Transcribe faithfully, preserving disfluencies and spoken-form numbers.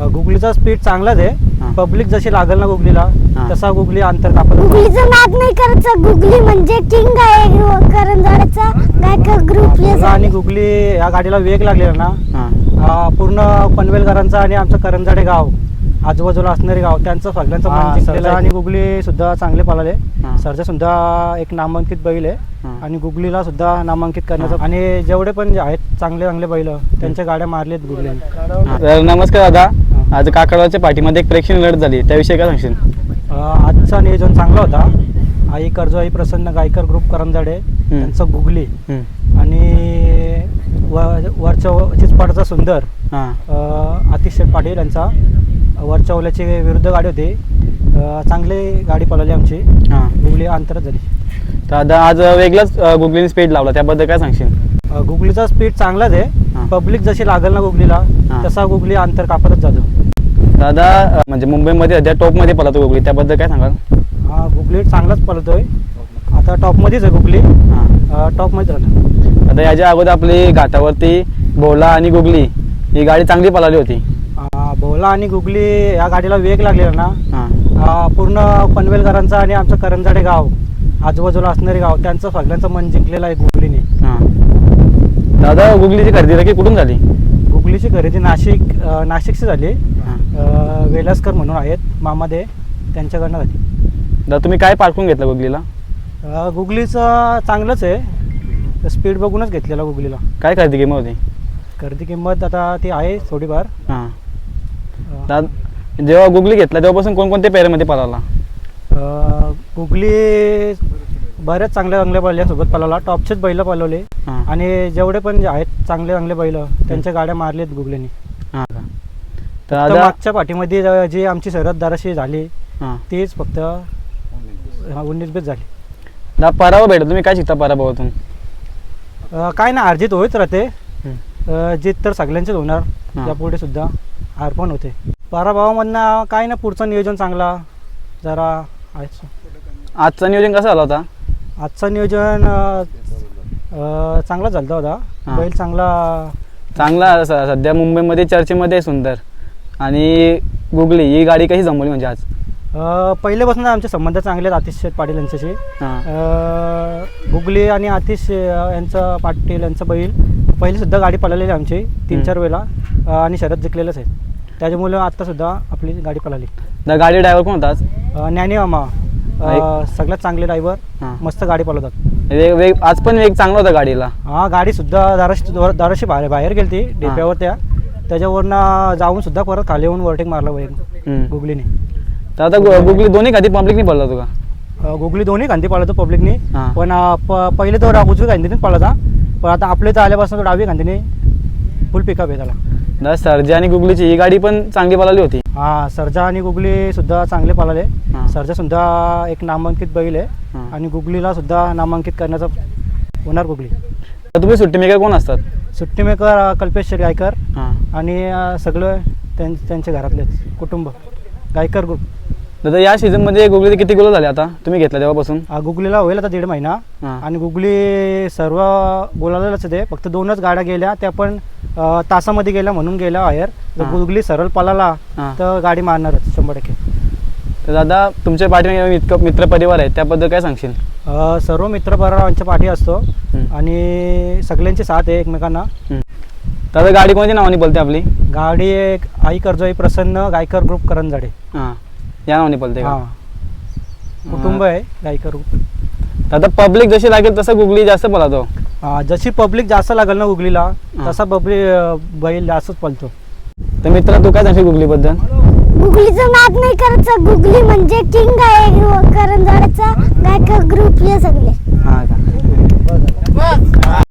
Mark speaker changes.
Speaker 1: गुगलीचा speed चांगलाच
Speaker 2: हा.
Speaker 1: आहे. पब्लिक जशी लागल ना गुगलीला
Speaker 2: हा.
Speaker 1: तसा गुगली अंतर कापत.
Speaker 3: गुगलीचं नाद नाही करायचं. गुगली म्हणजे किंग आहे करंजाड्याचा गायक ग्रुप.
Speaker 1: आणि गुगली या गाडीला वेग लागलेला ना
Speaker 2: हां
Speaker 1: हा, पूर्ण पनवेलकरांचा आणि आमचं करंजाडे गाव आजूबाजूला असणारे गाव त्यांचं सगळ्यांचं मन जिंकलेलं आहे. आणि गुगली सुद्धा चांगले पळाले.
Speaker 2: हा.
Speaker 1: सरजा सुद्धा एक नामांकित बैल आहे
Speaker 2: हा.
Speaker 1: आणि गुगलीला सुद्धा नामांकित करण्याचं. आणि जेवढे पण जे आहेत चांगले चांगले बैल त्यांच्या गाड्या मारलेत गुगलीने.
Speaker 2: तर नमस्कार दादा, आज काकडवाच्या पाठीमध्ये एक प्रेक्षणीय लढत झाली, त्याविषयी काय सांगशील?
Speaker 1: अं, आजचा नियोजन चांगला होता. आई कर्जो आई प्रसन्न गायकर ग्रुप करंजाडे त्यांचं गुगली
Speaker 2: हम्म.
Speaker 1: आणि व वरच्या चिचपाडचा सुंदर
Speaker 2: हां
Speaker 1: अं, आतिश शेठ पाटील यांचा वरच्या ओल्याची विरुद्ध गाडी होती. अं, चांगली गाडी पळवली आमची.
Speaker 2: हां
Speaker 1: गुगली अंतरच झाली.
Speaker 2: तर दादा आज वेगळाच गुगलीने स्पीड लावला, त्याबद्दल काय सांगशील?
Speaker 1: अं, गुगलीचा स्पीड चांगलाच
Speaker 2: हा.
Speaker 1: आहे. पब्लिक जशी लागल ना गुगलीला
Speaker 2: हा.
Speaker 1: तसा गुगली अंतर कापतच जातो.
Speaker 2: दादा अ, म्हणजे मुंबईमध्ये सध्या टॉपमध्ये पळतो गुगली, त्याबद्दल काय सांगाल?
Speaker 1: हा गुगली चांगलाच पळतोय. आता टॉपमध्येच आहे गुगली.
Speaker 2: हां
Speaker 1: टॉपमध्येच राहणार.
Speaker 2: आता याच्या अगोदर आपली घाटावरती भोला आणि गुगली ही गाडी चांगली पळाली होती.
Speaker 1: अं, भोला आणि गुगली या गाडीला वेग लागलेला ना
Speaker 2: हां
Speaker 1: हा, पूर्ण पनवेलकरांचा आणि आमचं करंजाडे गाव आजूबाजूला असणारे गाव त्यांचं सगळ्यांचं मन जिंकलेलं आहे गुगलीने.
Speaker 2: हां दादा गुगलीची खरेदी नक्की कुठून झाली?
Speaker 1: गुगलीची खरेदी नाशिक अं, नाशिकची झाली.
Speaker 2: हां
Speaker 1: अं, वेलासकर म्हणून आहेत मामादे त्यांच्याकडनं झाली.
Speaker 2: दादा तुम्ही काय पारखून घेतलं गुगलीला?
Speaker 1: अं, गुगलीचं चांगलंच आहे. स्पीड बघूनच घेतलेला गुगलीला.
Speaker 2: काय खरेदी किंमत होती?
Speaker 1: खरेदी किंमत आता ती आहे थोडीफार.
Speaker 2: हां
Speaker 1: अं,
Speaker 2: दादा जेव्हा गुगली घेतला तेव्हापासून कोणकोणत्या पेऱ्यामध्ये पळाला?
Speaker 1: अं, गुगली बऱ्याच चांगल्या चांगल्या बैलांसोबत पळवला. टॉपचेच बैल पळवले.
Speaker 2: हां
Speaker 1: आणि जेवढे पण जे आहेत चांगले चांगले बैल त्यांच्या गाड्या मारलेत गुगलीने.
Speaker 2: हां का? तर
Speaker 1: तर
Speaker 2: दादा
Speaker 1: मागच्या पाठीमध्ये ज- जी आमची सरहद्दाराशी झाली
Speaker 2: हां
Speaker 1: तीच फक्त उन्नीस बेस झाली.
Speaker 2: दादा पराभव भेटला, तुम्ही काय शिकता पराभवातून?
Speaker 1: अं, काय ना अर्जित होत राहते.
Speaker 2: हं.
Speaker 1: अं, जीत तर सगळ्यांचेच होणार.
Speaker 2: हां.
Speaker 1: यापुढे सुद्धा हार पण होते. पराभवामधनं काय ना पुढचं नियोजन चांगला जरा आहेच.
Speaker 2: आजचं नियोजन कसं झालं होता?
Speaker 1: आजचं नियोजन अं, अं, चांगला झालं होता.
Speaker 2: हां.
Speaker 1: बैल चांगला.
Speaker 2: चांगला स- सध्या मुंबईमध्ये चर्चेमध्ये आहे सुंदर आणि गुगली ही गाडी कशी जमवली म्हणजे आज?
Speaker 1: अं, पहिल्यापासून आमचे संबंध चांगले आहेत आतिश शेठ पाटील यांच्याशी.
Speaker 2: हां
Speaker 1: अं, गुगली आणि आतिश अं, यांचं पाटील यांचं बैल पहिली सुद्धा गाडी पळालेली आमची तीन चार वेळेला. अं, आणि शरद जिंकलेलंच आहे. त्याच्यामुळे आत्तासुद्धा आपली गाडी पळाली.
Speaker 2: दादा गाडी ड्रायव्हर कोण होता आज?
Speaker 1: अं, ज्ञानी मामा अं, सगळ्यात चांगले ड्रायव्हर.
Speaker 2: हां
Speaker 1: मस्त गाडी पळवतात.
Speaker 2: वेग वेग आज पण वेग चांगला होता गाडीला.
Speaker 1: हा गाडी सुद्धा दाराशी दाराशी बाहेर बाहेर गेली ती डेप्यावर. त्या त्याच्यावरनं जाऊन सुद्धा परत खाली येऊन ओव्हरटेक मारला बैल
Speaker 2: हम्म.
Speaker 1: गुगलीने.
Speaker 2: तर आता गु- गुगली दोन्ही खाली पब्लिकनी पडला होता का?
Speaker 1: अं, गुगली दोन्ही गांधी पळवतो पब्लिकने.
Speaker 2: हां.
Speaker 1: पण अं, प- पहिले तो रा- उजवी गांधीनेच पळवता. पण आता आपल्या इथं आल्यापासून तो डावी गांधीने फुल पिकअप आहे त्याला.
Speaker 2: दादा सर्जा आणि गुगलीची ही गाडी पण चांगली पळाली होती.
Speaker 1: हा सरजा आणि गुगली सुद्धा चांगले पळाले.
Speaker 2: हां.
Speaker 1: सरजा सुद्धा एक नामांकित बैल आहे.
Speaker 2: हां.
Speaker 1: आणि गुगलीला सुद्धा नामांकित करण्याचा होणार गुगली.
Speaker 2: तर तुम्ही सुट्टी मेकर कोण असतात?
Speaker 1: सुट्टी मेकर अं, कल्पेश शेठ गायकर
Speaker 2: हां
Speaker 1: आणि अं, सगळं त्यां त्यांच्या घरातलेच कुटुंब गायकर ग्रुप.
Speaker 2: दादा या सीझनमध्ये गुगलीचे किती गोल झाले आता तुम्ही घेतला तेव्हापासून?
Speaker 1: अं, गुगलीला होईल आता दीड महिना.
Speaker 2: हां
Speaker 1: आणि गुगली सर्व बोलायलाच ते फक्त दोनच गाड्या गेल्या त्या पण अं, तासामध्ये गेल्या म्हणून गेल्या बाहेर. जर
Speaker 2: हां.
Speaker 1: गुगली सरळ पळाला
Speaker 2: हां.
Speaker 1: तर गाडी मारणारच शंभर टक्के.
Speaker 2: तर दादा तुमच्या पाठीमागे इतकं मित्रपरिवार आहे त्याबद्दल काय सांगशील?
Speaker 1: अं, सर्व मित्रपरिवार आमच्या पाठी असतो.
Speaker 2: हं.
Speaker 1: आणि सगळ्यांची साथ आहे एकमेकांना.
Speaker 2: हं. दादा गाडी कोणत्या नावाने बोलते आपली?
Speaker 1: गाडी एक आई कर्जो आई प्रसन्न गायकर ग्रुप करंजाडे.
Speaker 2: हां या नावाने बोलते का?
Speaker 1: हां कुटुंब आहे गायकर ग्रुप.
Speaker 2: दादा पब्लिक जशी लागेल तसं गुगली जास्त पळतो.
Speaker 1: हां जशी पब्लिक जास्त लागेल ना गुगलीला
Speaker 2: हां.
Speaker 1: तसा पब्लिक बैल जास्तच पळतो.
Speaker 2: तर मित्र तू काय सांगशील गुगलीबद्दल?
Speaker 3: गुगलीचं नाद नाही करायचं. गुगली म्हणजे किंग आहे करंजाड्याचा गायक ग्रुप. हे सगळे
Speaker 2: हां का?